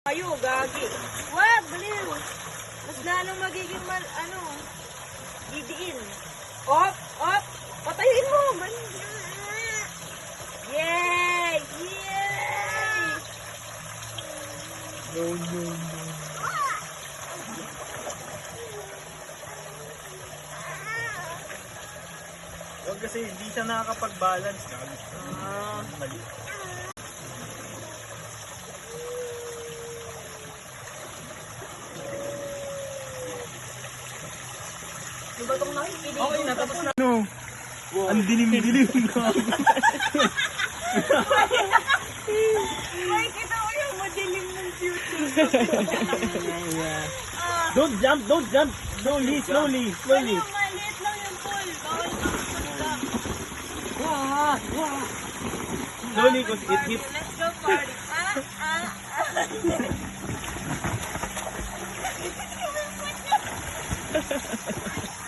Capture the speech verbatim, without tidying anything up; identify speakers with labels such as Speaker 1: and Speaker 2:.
Speaker 1: Kayo, gagi. Wag, baliw. Mas lalong magiging mal, ano, gidiin. Op, op, patayin mo. Man. Yay! Yay!
Speaker 2: No, no, no. Huwag kasi hindi siya nakakapag-balance. Ah, mali.
Speaker 1: Ano ba itong nakikinig?
Speaker 2: Okay na, tapos na. No. Wow. Ang dilim-dilim na.
Speaker 1: Ay, kita ko yung madilim ng future.
Speaker 2: Don't jump, don't jump. Slowly, slowly, slowly.
Speaker 1: Ano, maliit lang yung pool. Bawal kang tumagam.
Speaker 2: Wah, wah. Slowly, because it hits.
Speaker 1: Let's go party. Ah, ah, ah.